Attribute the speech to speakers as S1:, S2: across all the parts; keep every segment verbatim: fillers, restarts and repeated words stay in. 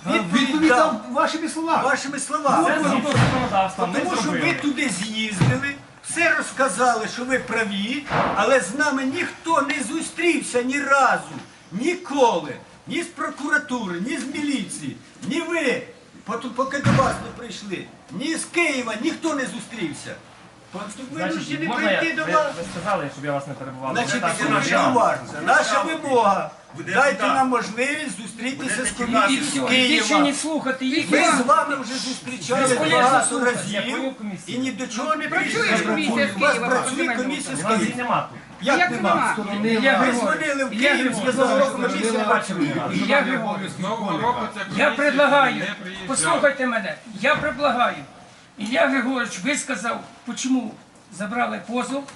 S1: Відповідь дав вашими словами.
S2: Вашими словами. Тому що ви туди з'їздили, все розказали, що ви праві, але з нами ніхто не зустрівся ні разу, ніколи. Ні з прокуратури, ні з міліції, ні ви, поки до вас не прийшли, ні з Києва, ніхто не зустрівся.
S3: Значить, можна я, ви, ви сказали, щоб я вас не перебував.
S2: Значить, це дуже уважно. Наша вимога. Дайте нам можливість зустрітися з комісією з
S4: Більше не
S2: Києва.
S4: слухати їх.
S2: Ми з вами вже зустрічалися багато разів і ні до чого не прийшли. У вас працює комісія з
S3: У нас її
S2: Києва.
S3: нема тут.
S2: Як нема? Ви дзвонили в Київ, сказали, що комісія не бачила.
S4: Я Григорій, я предлагаю, послухайте мене, я предлагаю. Ілля Григорович висказав, чому забрали позов,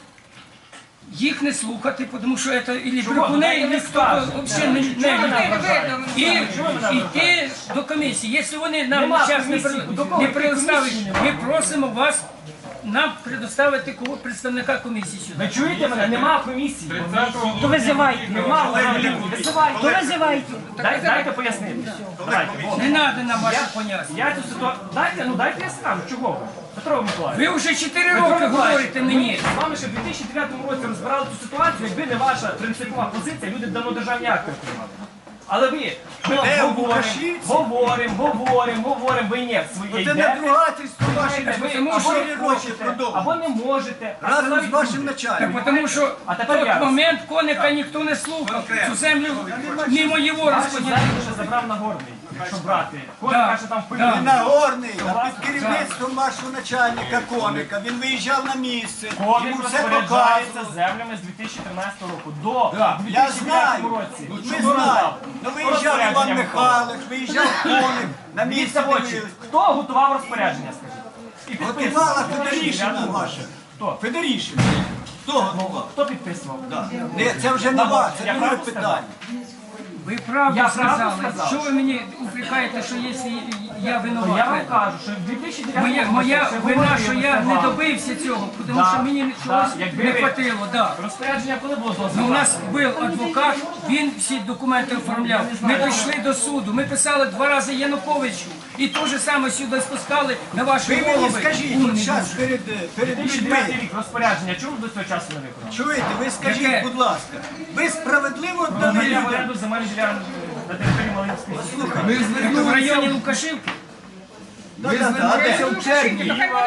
S4: їх не слухати, тому що це і брехуни, і ніхто взагалі не не І йти до комісії. Якщо вони нам час не предоставлять, ми просимо вас нам предоставити кого представника комісії сюди.
S3: Ви чуєте мене? Нема комісії.
S5: То визивайте.
S3: Нема визивайте.
S5: То визивайте.
S3: Дай, дайте пояснити. Давайте.
S4: Не треба нам ваші поняття.
S3: Я цю ситуацію... Дайте, ну дайте я скажу. Чого ви? Петро Миколаївич.
S4: Ви вже чотири роки говорите мені.
S3: З вами ще в дві тисячі дев'ятому році розбирали цю ситуацію, якби не ваша принципова позиція, люди б давно державні акти отримали. Але ви ми говоримо, говоримо, говоримо, говоримо, ви ні, своє
S2: Це
S3: йдете.
S2: надругательство ваше,
S3: Ви
S2: тому
S3: або
S2: що
S3: не
S2: ви хочете
S3: можете,
S2: продовжувати.
S3: або не можете. а це
S2: Разом з
S3: навіть
S2: вашим
S3: буде.
S2: начальником.
S4: Тому що
S3: А
S4: в
S3: тепер я.
S4: той момент коника ніхто не слухав. Цю землю мимо його
S3: Вашу
S4: розподілили.
S3: землю вже забрав Нагорний, якщо брати. Коник
S4: Да.
S3: каже там в
S4: Да.
S2: Він
S3: полі.
S2: Нагорний, а під керівництвом вашого начальника Коника. Він виїжджав на місце,
S3: Коник
S2: йому все
S3: розпоряджається
S2: показував.
S3: землями з дві тисячі тринадцятого року до
S2: Я
S3: дві тисячі дев'ятого
S2: знаю,
S3: році.
S2: ми
S3: Що
S2: знаємо.
S3: дав?
S2: Ну виїжджав Іван
S3: Розпорядження
S2: Михайлович, виїжджав Коник, на місце
S3: Дивіться в очі.
S2: дивились.
S3: Хто готував розпорядження, скажіть? І підписував.
S2: Готувала Федорішина ваша.
S3: Хто?
S2: Федорішина. Хто готував?
S3: Хто підписував?
S2: Ні, це вже не вас, це
S3: Я
S2: друге
S3: правду
S2: питання.
S4: Ви правду
S3: Я правду
S4: сказали.
S3: сказав.
S4: Що ви мені упрекаєте, що якщо я
S3: Я
S4: винуватий?
S3: вам кажу, що в дві тисячі дев'ятому
S4: Моя,
S3: році
S4: моя
S3: ще
S4: вина,
S3: говорили,
S4: що я
S3: ми
S4: не
S3: вам.
S4: добився цього, тому
S3: Да,
S4: що мені
S3: да,
S4: чогось
S3: якби
S4: не
S3: ви-
S4: хватило. Да.
S3: Розпорядження коли було
S4: Ну, у
S3: дозволено?
S4: нас був адвокат, він всі документи оформляв. Ми пішли до суду, ми писали два рази Януковичу. І те ж саме сюди спускали на ваші
S2: Ви мені
S4: голови.
S2: скажіть,
S4: Умні
S2: от зараз
S4: дуже.
S2: перед, перед
S3: дві тисячі дев'ятий
S2: людьми,
S3: рік розпорядження, чому до цього часу не виконали?
S2: чуєте, ви скажіть,
S4: Яке?
S2: будь ласка, ви справедливо віддали
S3: Надання в
S2: людям?
S3: оренду земельних ділянок на території Малинської.
S4: Це в районі Лукашівки.
S2: Да, да, да, а де?
S1: в червні.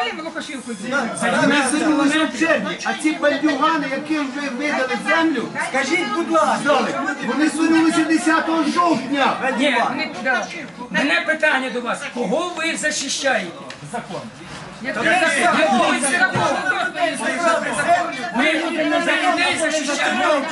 S1: Ми звернулися в червні, а ці бандюгани, яким ви видали землю,
S2: Скажіть, будь ласка,
S1: вони звернулися десятого жовтня.
S4: Ні, да. Мене питання до вас. Кого ви захищаєте?
S3: Закон.
S4: Кого ви Ми за людей захищаємо.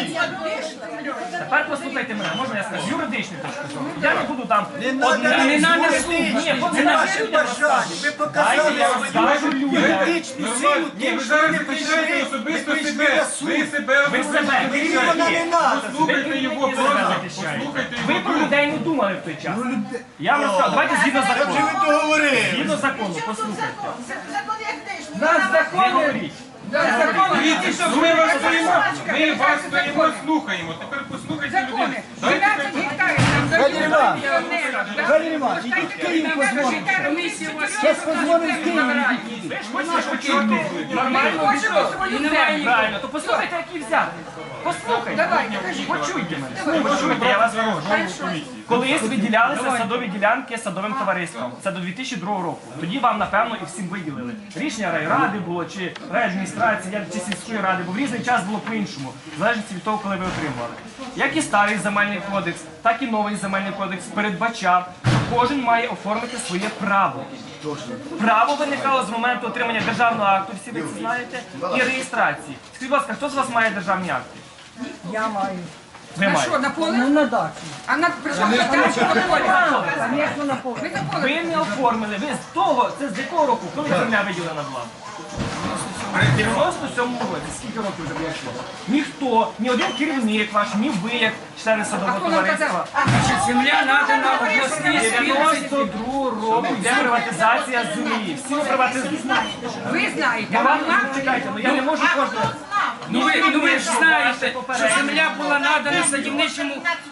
S3: Тепер послухайте мене, можна я скажу, з юридичної точки зору. Я не буду там
S2: не
S3: одне.
S2: треба
S4: не надо
S2: слухати.
S4: слухати.
S3: Ні,
S2: Це
S3: не
S2: ваше
S3: надо.
S2: бажання. Ви показали
S3: Дайте я вам скажу
S2: свою
S3: людям.
S2: юридичну силу
S6: Ні,
S2: тим,
S6: ви
S2: що
S6: зараз
S2: ви
S6: захищаєте
S2: прийшли, ви
S6: особисто
S2: прийшли
S6: себе.
S2: на суд.
S6: Ви себе
S3: Ви себе.
S2: Мені вона не треба.
S6: Послухайте його
S3: Ви
S6: просто.
S3: захищаєте.
S6: Послухайте
S3: Ви
S6: його
S3: про
S6: думку.
S3: людей не думали в той час. Я вам скажу, давайте згідно
S2: Вже
S3: закону.
S2: ви договорили.
S3: Згідно закону, послухайте.
S5: Нас
S3: Не
S5: закони.
S3: говоріть.
S6: Дивіться, ми вас стоїмо, ми вас стоїмо, слухаємо. Тепер послухайте людей.
S5: дванадцять гектарів нам
S2: Валерій
S5: дають
S2: Іванович,
S5: пенсіонерам.
S2: Валерій Іванович, ідіть в Київ позвоните.
S4: Комісія у вас є.
S2: Зараз позвонимо в Київ.
S3: Ви ж хочете почути нормальну
S5: Хочемо
S3: відповідь.
S5: свою
S3: І немає
S5: землю.
S3: правильно, то послухайте, які взяти. Послухайте.
S5: Давайте, кажіть.
S3: Почуйте мене. Почуйте, я вас прошу. Колись виділялися садові ділянки садовим товариством. Це до дві тисячі другого року. Тоді вам, напевно, і всім виділили. Рішення райради було, чи райадміністрації, я- чи сільської ради, бо в різний час було по-іншому, в залежності від того, коли ви отримували. Як і старий земельний кодекс, так і новий земельний кодекс передбачав, що кожен має оформити своє право. Право виникало з моменту отримання державного акту, всі ви це знаєте, і реєстрації. Скажіть, будь ласка, хто з вас має державні акти?
S5: Я маю.
S3: Ви
S5: На
S3: маєте.
S5: що, на поле?
S7: Ну, на дачу.
S5: А на прийшов на дачу на поле.
S7: Звісно, на поле.
S5: Ви на поле.
S3: Ви не оформили, ви з того, це з якого року, коли земля виділена була? В дев'яносто сьомому році, скільки років вже пройшло? Ніхто, ні один керівник ваш, ні ви, як члени садового
S5: хто нам
S3: товариства.
S4: Значить, земля надана обласній спільності.
S3: дев'яносто другого року йде приватизація землі. Всі приватизації.
S5: Ви знаєте,
S3: Я
S5: а
S3: вам
S5: вона...
S3: чекайте, ну я не можу кожного.
S4: Ну ви, ну ви ж знаєте, що земля була надана садівничому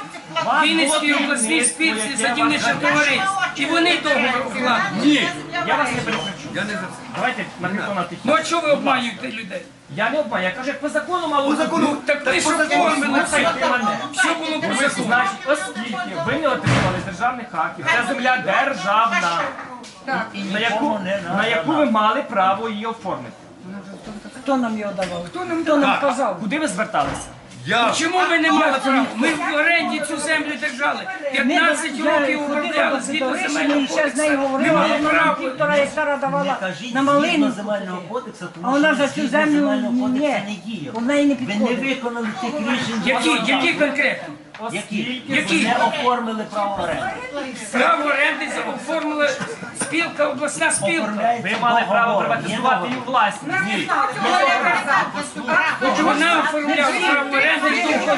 S3: Вас
S4: Вінницькій
S3: було
S4: обласній
S3: керівництво,
S4: спілці
S3: яке
S4: садівничих
S3: вам-
S4: товариств. І вони договор укладуть.
S1: Ні,
S3: Я вас не перекричу.
S1: я не за це.
S3: Давайте на хто на тихі.
S4: Ну а чого ви обманюєте людей?
S3: Я не обманю, я кажу, як по закону мало
S1: По
S3: бути.
S1: закону,
S4: Так ви ж
S1: по закону,
S4: оформили все.
S3: Слухайте мене.
S4: Все було по закону.
S3: Значить, оскільки ви не отримали державних актів, ця земля державна, на яку, на яку ви мали право її оформити.
S5: Хто нам його давав? Хто нам, хто нам казав?
S3: Куди ви зверталися?
S1: Я
S4: Чому ви не мали права? Ми в оренді цю землю держали. п'ятнадцять років обробляли згідно земельного
S5: Ще з нею
S4: кодексу.
S5: говорила,
S4: Не мали
S5: вона
S4: права.
S5: півтора гектара давала
S7: Кажіть,
S5: на
S7: згідно
S5: малину.
S7: земельного кодексу,
S5: А
S7: тому
S5: вона
S7: що
S5: за цю
S7: згідно
S5: землю
S7: земельного кодексу
S5: ні,
S7: не діє.
S5: в неї не
S7: Ви не
S5: підходить.
S7: виконали тих рішень,
S4: Які, які конкретно?
S7: які,
S4: Які?
S7: ви не оформили право оренди.
S4: Право оренди оформила спілка, обласна спілка.
S7: Оформляється
S3: Ви мали право
S7: договор.
S3: приватизувати її власність. Ні.
S4: Вона оформляла право оренди.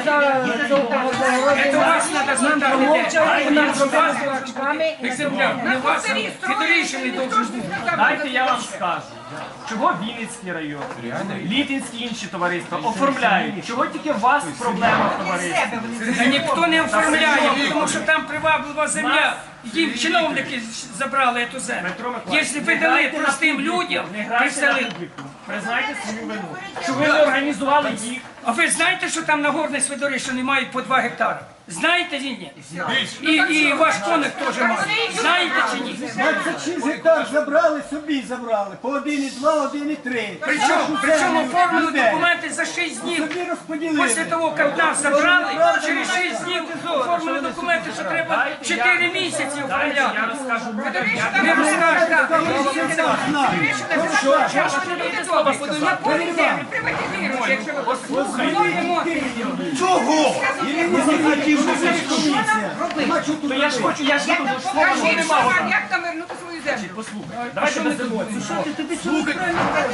S4: Це вас треба спитати. де.
S5: Вона
S4: Це вас
S5: зробила
S4: екземпляр. Не вас, Федоришин должен бути.
S3: Дайте я вам скажу. Чого Вінницький район, Літинські інші товариства оформляють? Чого тільки у вас проблема в товаристві?
S4: Та ніхто не оформляє, тому що там приваблива земля. Їм чиновники забрали цю землю.
S3: Петро Миколаївич,
S4: Якщо ви
S3: не
S4: дали
S3: грайте на
S4: простим
S3: публіку,
S4: людям,
S3: не грайте на
S4: представили.
S3: публіку. Признайте свою вину. Що ви не організували їх.
S4: А ви знаєте, що там на горній Свидорищині мають по два гектари? Знаєте чи ні? І, і ваш коник теж має. Знаєте чи ні?
S2: двадцять шість гектар забрали, собі забрали. По один і два, один і три.
S4: Причому, причому оформили документи за шість днів.
S2: Собі розподілили.
S4: Після того, як нас забрали, через шість днів оформили документи, що треба чотири місяці
S3: Дайте я
S4: оформляти.
S3: розкажу.
S4: Не розкажете.
S1: чого?
S3: То я ж хочу, я ж буду, що
S5: Кажіть,
S3: не
S5: що
S3: мав.
S5: нам, як нам вернути свою землю?
S3: Послухайте, давайте без емоцій.
S1: Слухайте,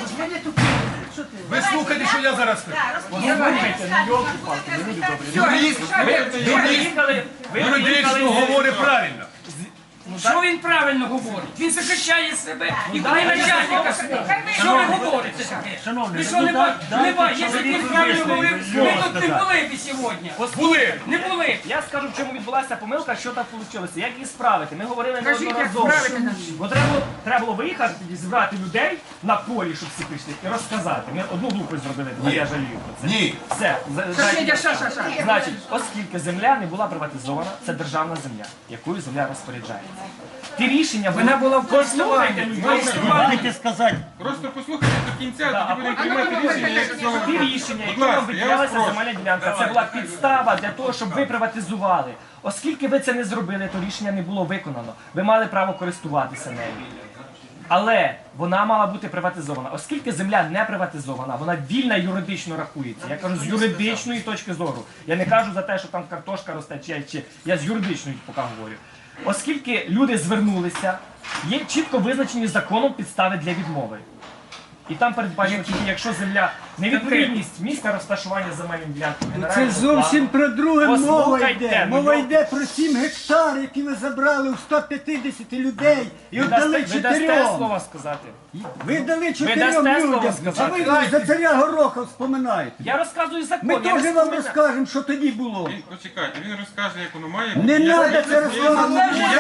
S1: ви слухайте, що я зараз скажу.
S3: Послухайте, ну йолки-палки, не люди добрі.
S1: Юрист,
S3: Ви
S1: юрист,
S3: приїхали, ви
S1: юридично
S3: приїхали.
S1: говорить правильно.
S4: Що він правильно говорить? Він захищає себе і коли начальника свого. Що ви говорите таке?
S7: Шановний,
S4: Ви що
S7: ну,
S4: не
S7: дай-
S4: бачите? Не
S7: дайте
S4: бачите, якщо б він
S7: чоловіку
S4: правильно
S7: висловити
S4: говорив,
S7: слово
S4: ви тут не
S7: сказати.
S4: були б сьогодні.
S1: Були.
S4: Не були.
S3: Я скажу, в чому відбулася помилка, що так вийшло. Як її справити? Ми говорили
S5: Кажіть, як
S3: неодноразово.
S5: справити нас.
S3: Бо треба було, треба було виїхати, тоді зібрати людей на полі, щоб всі прийшли, і розказати. Ми одну глупость зробили, а я жалію про це.
S1: Ні.
S3: Все. за-
S5: Сусідя,
S3: дайте-
S5: ша, ша, ша.
S3: Значить, оскільки земля не була приватизована, це державна земля, якою земля розпоряджається. Ті рішення
S4: Вона була в користуванні.
S7: Можете сказати,
S6: Просто послухайте до кінця, тоді будемо приймати рішення, як цього
S3: Ті
S6: робити.
S3: рішення, які
S6: Будь
S3: вам
S6: ласка, я вас
S3: виділялася
S6: прошу.
S3: земельна ділянка, це була підстава для того, щоб ви приватизували. Оскільки ви це не зробили, то рішення не було виконано. Ви мали право користуватися нею. Але вона мала бути приватизована. Оскільки земля не приватизована, вона вільна юридично рахується. Я кажу з юридичної точки зору. Я не кажу за те, що там картошка росте, чи, чи я з юридичної поки говорю. Оскільки люди звернулися, є чітко визначені законом підстави для відмови. І там передбачено тільки, якщо земля невідповідність місця розташування земельної ділянки.
S2: Це
S3: генерального
S2: зовсім про друге мова
S3: Послухайте,
S2: йде.
S3: ну,
S2: Мова
S3: йо-
S2: йде про сім гектар, які ви забрали у сто п'ятдесят людей і
S3: Ви
S2: віддали
S3: дасте, ви дасте
S2: чотирьом.
S3: слова сказати.
S2: Ви дали чотирьом
S3: дасте слово
S2: людям. А
S3: сказати?
S2: ви за царя Гороха вспоминаєте.
S3: Я розказую закон.
S2: Ми
S3: я не
S2: теж вам
S3: вспоминаю.
S2: розкажемо, що тоді було.
S6: Він, почекайте, він розкаже, як воно має
S2: Не
S6: бути.
S2: треба
S6: Я-
S2: це розказувати.
S6: Я- я-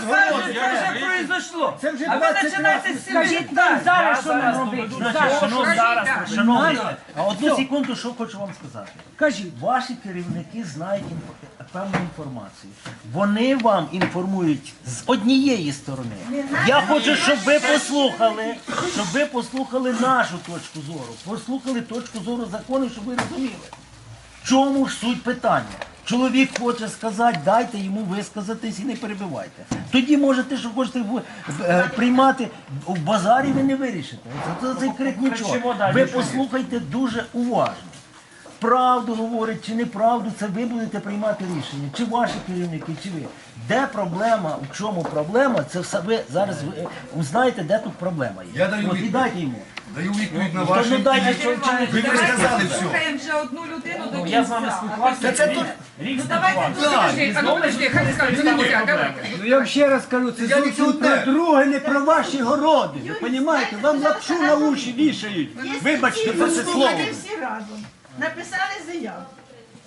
S2: Це вже двадцять разів.
S5: Скажіть нам зараз, що нам
S3: зараз
S5: робити.
S3: доведу.
S7: значить, шановні,
S3: Зараз
S7: шановні, а одну секунду, що хочу вам сказати.
S2: Кажіть.
S7: Ваші керівники знають інфо- певну інформацію. Вони вам інформують з однієї сторони. Я хочу, щоб ви послухали, щоб ви послухали нашу точку зору, послухали точку зору закону, щоб ви розуміли. В чому ж суть питання? Чоловік хоче сказати, дайте йому висказатись і не перебивайте. Тоді можете, що хочете в- е, приймати в базарі, ви не вирішите. Це, це, це крик нічого.
S3: кричимо далі,
S7: Ви
S3: що є.
S7: послухайте дуже уважно. Правду говорить чи неправду, це ви будете приймати рішення. Чи ваші керівники, чи ви. Де проблема, в чому проблема, це все ви зараз ви, е, знаєте, де тут проблема є.
S1: Я даю
S7: От, і
S1: відповідь.
S7: дайте йому.
S1: Даю відповідь на
S7: То,
S1: ваші.
S7: ну дайте, що, чи не
S1: Ви не сказали все.
S5: Слухаємо вже одну людину до
S3: Ну,
S5: кінця.
S3: я з вами спілкувався.
S1: Це
S3: рік-
S1: тут-
S3: Рік
S5: Давайте,
S3: спілкувався.
S5: подожди, а ну подожди, хай скажуть,
S3: Це не
S5: давайте,
S3: проблема.
S5: давайте.
S2: Ну я вам ще раз кажу, це
S1: Я
S2: зовсім про
S1: пенсіонер.
S2: друге, не про ваші городи. Ви розумієте, вам лапшу на уші вішають. Вибачте за це слово.
S8: Всі разом написали заяву.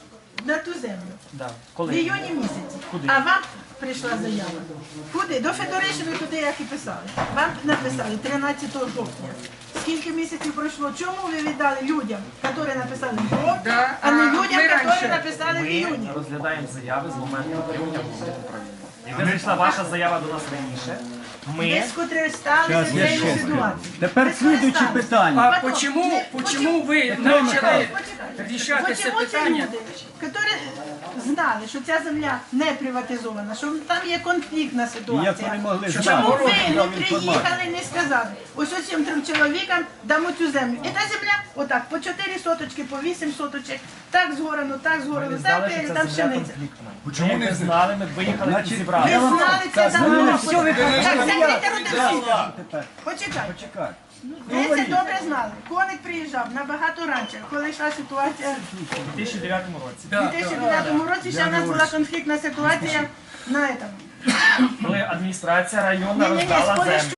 S8: на ту землю.
S3: Да.
S8: В
S3: Коли?
S8: іюні місяці.
S3: Куди?
S8: А вам прийшла заява. Куди? До Федоришини, туди, як і писали. Вам написали тринадцятого жовтня. Скільки місяців пройшло? Чому ви віддали людям, які написали в жовтні,
S4: Да,
S8: а не
S4: а
S8: людям,
S4: ми
S8: які
S4: раніше.
S8: написали в іюні?
S3: Ми розглядаємо заяви з моменту отримання головного управління. Якби прийшла ваша заява до нас раніше,
S8: Ви
S3: ми
S8: скористалися цією ситуацією.
S2: Тепер
S8: Ви
S2: слідуючі
S8: скористалися.
S2: питання.
S4: А почему, почему ви почали рішати це
S8: Почему ті
S4: питання?
S8: люди, які знали, що ця земля не приватизована, що там є конфліктна ситуація.
S2: Як вони могли знати?
S8: Чому ви
S2: Город
S8: не
S2: дав
S8: приїхали
S2: інформацію.
S8: і не сказали, ось ось цим трьом чоловікам дамо цю землю. І та земля, отак, по чотири соточки, по вісім соточок, так згорано, так
S3: не
S8: згорано,
S3: знали,
S8: так,
S3: що
S8: і
S3: ця
S8: там
S3: земля
S8: пшениця.
S3: конфліктна. Ми якби знали, ми б виїхали і
S2: Значить,
S8: Ви
S3: зібрали.
S8: знали це давно.
S4: все, ви
S8: Так, закрийте роти.
S2: Тепер.
S8: Почекай.
S2: Почекай.
S8: Ви це добре знали. Коник приїжджав набагато раніше, коли йшла ситуація
S3: У дві тисячі дев'ятому році.
S8: у дві тисячі дев'ятому році, ще в нас була конфліктна ситуація на этом.
S3: Коли адміністрація районна
S8: Ні-ні-ні,
S3: роздала
S8: з
S3: землю.